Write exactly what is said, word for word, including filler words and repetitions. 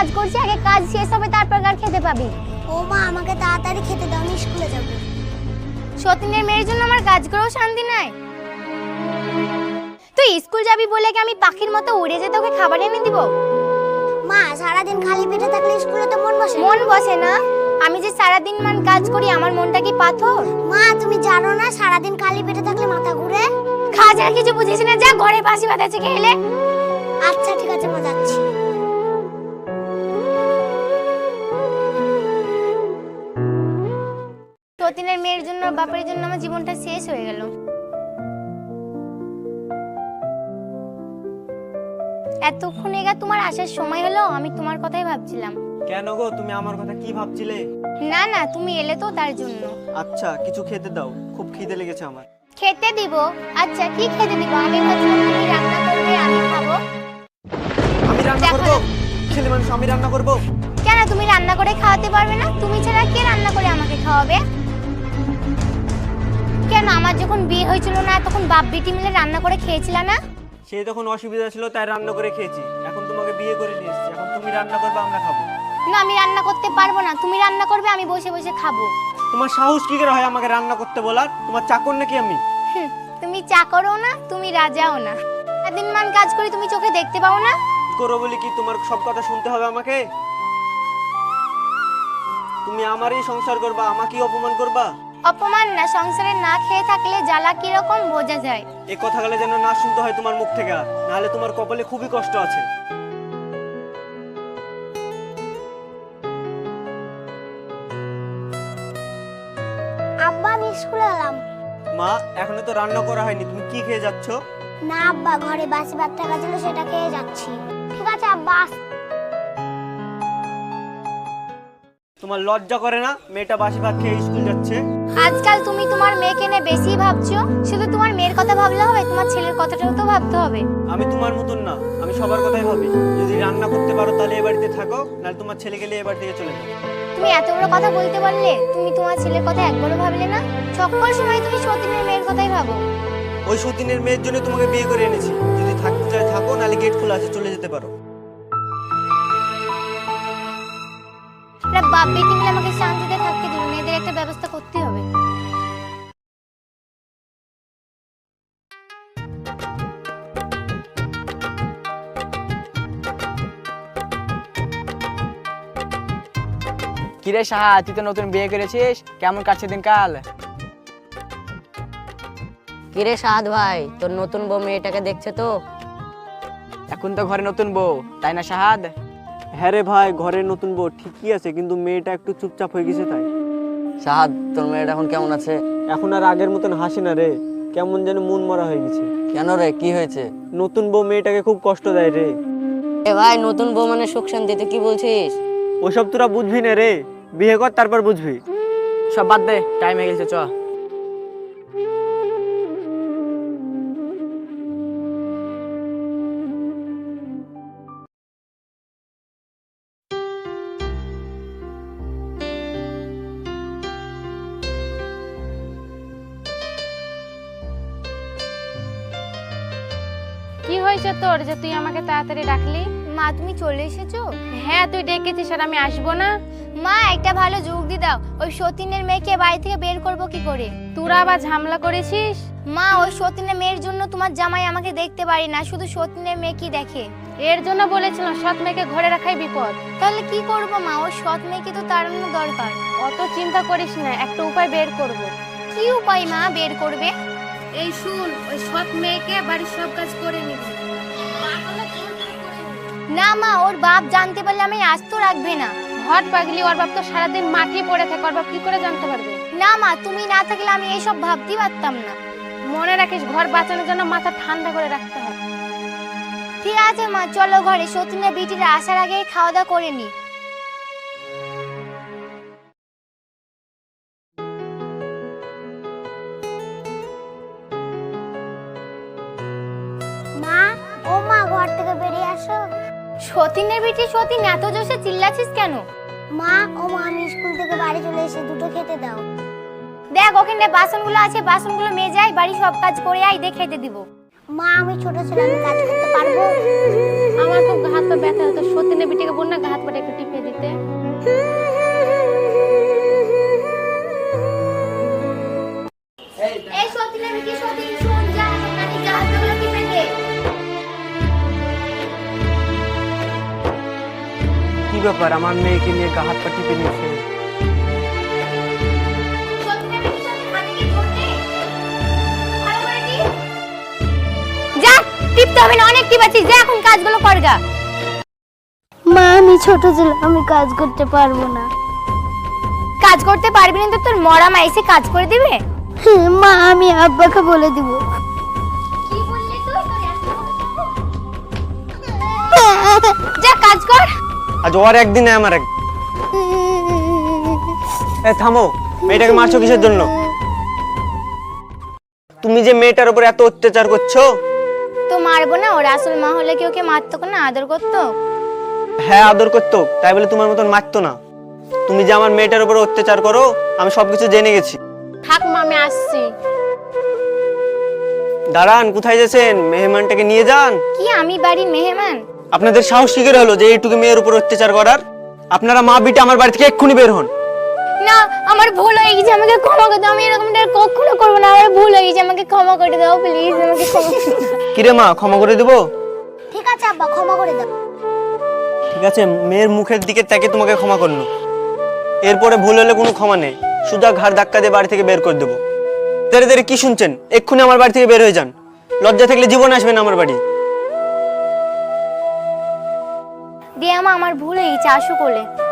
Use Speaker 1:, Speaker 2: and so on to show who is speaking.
Speaker 1: কাজ করছি, আগে কাজ শেষ হবে তারপর আর খেতে পাবি।
Speaker 2: ও মা, আমাকে তাড়াতাড়ি খেতে দাও, আমি স্কুলে যাব।
Speaker 1: সতীনের মেয়ের জন্য আমার কাজ করেও শান্তি নাই। তুই স্কুল যাবি বলে কি আমি পাখির মতো উড়ে যেতে ওকে খাবার এনে দিব?
Speaker 2: মা, সারাদিন খালি পেটে থাকলে স্কুলে তো মন বসে না।
Speaker 1: মন বসে না? আমি যে সারাদিন মান কাজ করি, আমার মনটা কি পাথর?
Speaker 2: মা, তুমি জানো না সারাদিন খালি পেটে থাকলে মাথা ঘুরে?
Speaker 1: খাওয়া ছাড়া কিছু বুঝিস না, যা ঘরে বাসি ভাত আছে খেলে।
Speaker 2: আচ্ছা ঠিক আছে মা, যাচ্ছি।
Speaker 1: সতীনের মেয়ের জন্য বাপের জন্য আমার জীবনটা শেষ হয়ে গেল। এতক্ষণ এগা তোমার আসার সময় হলো, আমি তোমার কথাই ভাবছিলাম।
Speaker 3: কেন গো, তুমি আমার কথা কি ভাবছিলে?
Speaker 1: না না, তুমি এলে তো তার জন্য।
Speaker 3: আচ্ছা কিছু খেতে দাও, খুব খিদে লেগেছে আমার।
Speaker 1: খেতে দিব? আচ্ছা কি খেতে দিব? আমি ভাবছিলাম তুমি রান্না করবে, আমি খাবো।
Speaker 3: আমি রান্না করব? ছেলে মানুষ আমি রান্না করব?
Speaker 1: কেন, তুমি রান্না করে খাওয়াতে পারবে না? তুমি ছাড়া কে রান্না করে আমাকে খাওয়াবে? কেন, আমার যখন বিয়ে হয়েছিল না তখন বাপ বেটি মিলে রান্না করে খেয়েছিল না?
Speaker 3: সে তখন অসুবিধা ছিল তাই রান্না করে খেয়েছি, এখন তোমাকে বিয়ে করে নিয়ে এসেছি, এখন তুমি রান্না করবে, আমরা খাবো।
Speaker 1: না, আমি রান্না করতে পারবো না, তুমি রান্না করবে, আমি বসে বসে খাবো।
Speaker 3: তোমার সাহস কি করে হয় আমাকে রান্না করতে বলার? তোমার চাকর নাকি আমি?
Speaker 1: হুম, তুমি চাকরও না, তুমি রাজাও না। দিন মান কাজ করি, তুমি চোখে দেখতে পাও না?
Speaker 3: করো বলি কি তোমার সব কথা শুনতে হবে আমাকে? তুমি আমারই সংসার করবা, আমাকেই অপমান করবা?
Speaker 1: অপমান না, সংসারে না খেয়ে থাকলে জ্বালা কি রকম বোঝা যায়।
Speaker 3: এই কথাগুলো যেন না শুনতে হয় তোমার মুখ থেকে, নাহলে তোমার কপালে খুবই কষ্ট আছে।
Speaker 2: আব্বা, আমি স্কুলে এলাম।
Speaker 3: মা, এখনো তো রান্না করা হয়নি, তুমি কি খেয়ে যাচ্ছ?
Speaker 2: না আব্বা, ঘরে বাসি ভাত থাকা ছিল, সেটা খেয়ে যাচ্ছি। ঠিক আছে আব্বা।
Speaker 3: তোমার লজ্জা করে না মেয়েটা বাসি ভাত খেয়ে স্কুল যাচ্ছে?
Speaker 1: আজকাল তুমি তোমার মেয়েকে নিয়ে বেশি ভাবছো। শুধু তোমার মেয়ের কথা ভাবলে হবে, তোমার ছেলের কথাটাও তো ভাবতে হবে।
Speaker 3: আমি তোমার মতন না, আমি সবার কথাই ভাবি। যদি রান্না করতে পারো তাহলে এই বাড়িতে থাকো, নাহলে তোমার ছেলেকে নিয়ে এই বাড়ি থেকে চলে যাও।
Speaker 1: তুমি এত বড় কথা বলতে পারলে? তুমি তোমার ছেলের কথা একবারও ভাবলে না? সকল সময় তুমি সতীনের মেয়ের কথাই ভাবো।
Speaker 3: ওই সতীনের মেয়ের জন্য তোমাকে বিয়ে করে এনেছি। যদি থাকতে চাই থাকো, নাহলে গেট খোলা আছে, চলে যেতে পারো।
Speaker 1: বাপ বেটি মিলে আমাকে শান্তিতে থাকতে দিল না, এদের একটা ব্যবস্থা করতে হবে।
Speaker 4: কিরে সাহা, তুই তো নতুন বিয়ে করেছিস, কেমন কাটছে দিনকাল?
Speaker 5: কিরে সাহাদ ভাই, তোর নতুন বউ মেয়েটাকে দেখছে তো?
Speaker 4: এখন তো ঘরে নতুন বউ, তাই না সাহাদ?
Speaker 3: হ্যাঁ রে ভাই, ঘরের নতুন বউ ঠিকই আছে, কিন্তু মেয়েটা একটু চুপচাপ হয়ে গেছে তাই।
Speaker 5: সাহাদ, তোর মেয়েটা এখন কেমন আছে?
Speaker 3: এখন আর আগের মতন হাসে না রে, কেমন যেন মন মরা হয়ে গেছে।
Speaker 5: কেন রে, কি হয়েছে?
Speaker 3: নতুন বউ মেয়েটাকে খুব কষ্ট দেয় রে।
Speaker 5: এ ভাই, নতুন বউ মানে সুখ শান্তি, তুই কি বলছিস?
Speaker 3: ওসব তোরা বুঝবি না রে, বিয়ে কর তারপর বুঝবি।
Speaker 4: সব বাদ দে, টাইম হয়ে গেছে, চ।
Speaker 6: কি হয়েছে তোর যে তুই আমাকে তাড়াতাড়ি ডাকলি?
Speaker 1: মা, তুমি চলে এসেছো?
Speaker 6: হ্যাঁ, তুই ডেকেছিস আর আমি আসবো না?
Speaker 1: মা, একটা ভালো যুক্তি দাও, ওই সতীনের মেয়েকে বাড়ি থেকে বের করবো কি করে?
Speaker 6: তোরা আবার ঝামেলা করেছিস?
Speaker 1: মা, ওই সতীনের মেয়ের জন্য তোমার জামাই আমাকে দেখতে পারি না, শুধু সতীনের মেয়ে কি দেখে।
Speaker 6: এর জন্য বলেছিলাম সৎ মেয়েকে ঘরে রাখাই বিপদ।
Speaker 1: তাহলে কি করবো মা? ওই সৎ মেয়েকে তো তাড়ানো দরকার।
Speaker 6: অত চিন্তা করিস না, একটা উপায় বের করব।
Speaker 1: কি উপায় মা বের করবে?
Speaker 6: এই শুন, ওই সৎ মেয়েকে বাড়ির সব কাজ করে নিবি।
Speaker 1: না মা, ওর বাপ জানতে পারলে আমি আস্ত রাখবে না।
Speaker 6: হট পাগলি, ওর বাপ তো সারাদিন মাটি পড়ে থাকে, ওর বাপ কি করে জানতে পারবে?
Speaker 1: না মা, তুমি না থাকলে আমি এইসব ভাবতেই পারতাম না।
Speaker 6: মনে রাখিস, ঘর বাঁচানোর জন্য মাথা ঠান্ডা করে রাখতে হবে।
Speaker 1: ঠিক আছে মা, চলো ঘরে, সতীনের বিটিরা আসার আগে খাওয়া দাওয়া করে নি।
Speaker 2: মা, ও মা, ঘর থেকে বেরিয়ে আসো।
Speaker 1: সতীনের বিটি, সতীন, এত জোরে চিল্লাছিস কেন?
Speaker 2: মা, ও মা, আমি স্কুল থেকে বাড়ি চলে এসে দুটো খেতে দাও।
Speaker 1: দেখ ওখানে বাসনগুলো আছে, বাসনগুলো মেজে আয়, বাড়ি সব কাজ করে আয়, দিয়ে খেতে দিব।
Speaker 2: মা আমি ছোট ছেলে, আমি কাজ করতে পারবো?
Speaker 6: আমার খুব হাত পা ব্যথা হতো, সতীনের বিটিকে বল না হাত পাটা একটু টিপে দিতে।
Speaker 1: এই সতীনের বিটি, সতীন শোন, যা নানি জাহাজগুলো টিপে দে।
Speaker 3: কি ব্যাপার, আমার মেয়েকে নিয়ে গা হাত পা টিপে নিয়েছে?
Speaker 1: সতীনের বিটি, সতীন হাতে কি ধরতে? ভালো করে টিপ। যা, টিপতে হবে না, অনেক টিপাচ্ছিস, যা এখন কাজগুলো কর গা।
Speaker 2: মা আমি ছোট ছেলে, আমি কাজ করতে পারবো না।
Speaker 1: কাজ করতে পারবি না তো তোর মরা মা এসে কাজ করে দিবে?
Speaker 2: মা আমি আব্বাকে বলে দিব।
Speaker 1: কি বললি তুই? তোর এত বড় সাহস? যা কাজ কর।
Speaker 3: আজ ওর একদিন নয় আমার এক। এ থামো, মেয়েটাকে মারছো কিসের জন্য? তুমি যে মেয়েটার উপর এত অত্যাচার করছো।
Speaker 1: তো মারবো না, ওর আসল মা হলে কি ওকে মারতো না, আদর করতো?
Speaker 3: হ্যাঁ আদর করতো, তাই বলে তোমার মতন মারতো না। তুমি যে আমার মেয়েটার উপর অত্যাচার করো আমি সবকিছু জেনে গেছি।
Speaker 6: থাক মা, আমি আসছি।
Speaker 3: দাঁড়ান, কোথায় যাচ্ছেন? মেহমানটাকে নিয়ে যান।
Speaker 1: কি আমি বাড়ির মেহমান?
Speaker 3: আপনাদের সাহস কি করে হলো যে এইটুকু মেয়ের উপর অত্যাচার করার? আপনারা মা বিটা আমার বাড়ি থেকে এক্ষুনি বের হন।
Speaker 1: না, আমার ভুল হয়ে গেছে, আমাকে ক্ষমা করে দাও। আমি এরকমটা আর কখনো করবো না, আমার ভুল হয়ে গেছে, আমাকে ক্ষমা করে দাও প্লিজ, আমাকে ক্ষমা করে দাও।
Speaker 3: কিরে মা, ক্ষমা করে দেবো?
Speaker 2: ঠিক আছে আব্বা, ক্ষমা করে দাও।
Speaker 3: ঠিক আছে, মেয়ের মুখের দিকে তাকে তোমাকে ক্ষমা করলো। এরপরে ভুল হলে কোনো ক্ষমা নেই, সুদা ঘাড় ধাক্কা দিয়ে বাড়ি থেকে বের করে দেবো। দেরে দেরে কি শুনছেন? এক্ষুনি আমার বাড়ি থেকে বের হয়ে যান। লজ্জা থাকলে জীবন আসবেন আমার বাড়ি।
Speaker 1: দিয়ে আমা আমার ভুল হয়ে গেছে, আসো কোলে।